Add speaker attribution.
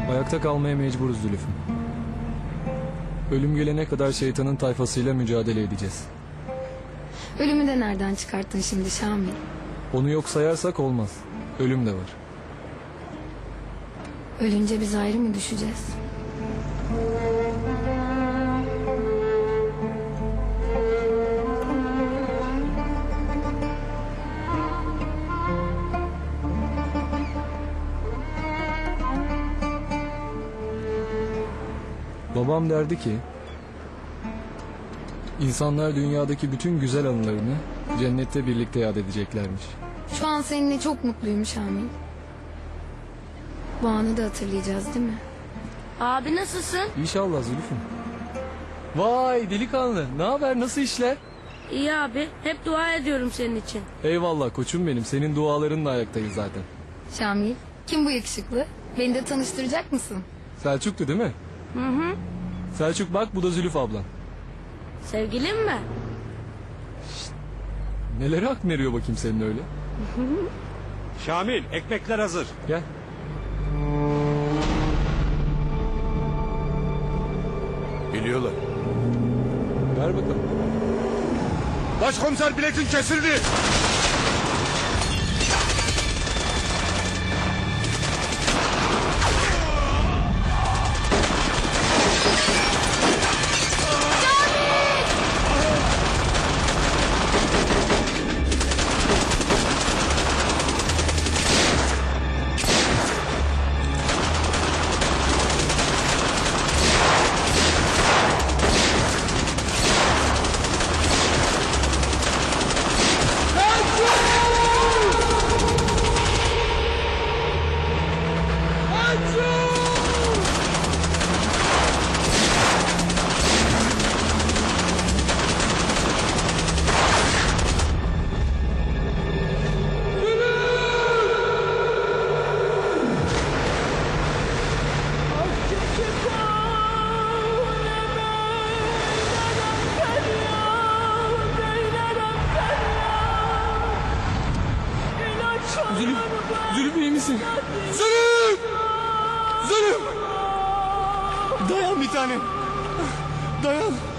Speaker 1: Ayakta kalmaya mecburuz Zülüf'üm. Ölüm gelene kadar şeytanın tayfasıyla mücadele edeceğiz.
Speaker 2: Ölümü de nereden çıkarttın şimdi Şamil?
Speaker 1: Onu yok sayarsak olmaz. Ölüm de var.
Speaker 2: Ölünce biz ayrı mı düşeceğiz?
Speaker 1: Babam derdi ki... ...insanlar dünyadaki bütün güzel anılarını... ...cennette birlikte yad edeceklermiş.
Speaker 2: Şu an seninle çok mutluyum Şamil. Bu anı da hatırlayacağız değil mi?
Speaker 3: Abi nasılsın?
Speaker 1: İnşallah Zülüf'üm. Vay delikanlı, ne haber, nasıl işler?
Speaker 3: İyi abi. Hep dua ediyorum senin için.
Speaker 1: Eyvallah koçum benim, senin dualarınla ayaktayız zaten.
Speaker 2: Şamil, kim bu yakışıklı? Beni de tanıştıracak mısın?
Speaker 1: Selçuk'tu değil mi?
Speaker 3: Hı hı.
Speaker 1: Selçuk bak, bu da Zülüf ablan.
Speaker 3: Sevgilin mi?
Speaker 1: Nelere hak veriyor bakayım senin öyle?
Speaker 4: Şamil, ekmekler hazır.
Speaker 1: Gel.
Speaker 4: Biliyorlar.
Speaker 1: Ver bakalım.
Speaker 4: Başkomiser biletin kesildi.
Speaker 1: Zülüf, Zülüf iyi misin? Zülüf! Zülüf! Dayan bir tane. Dayan.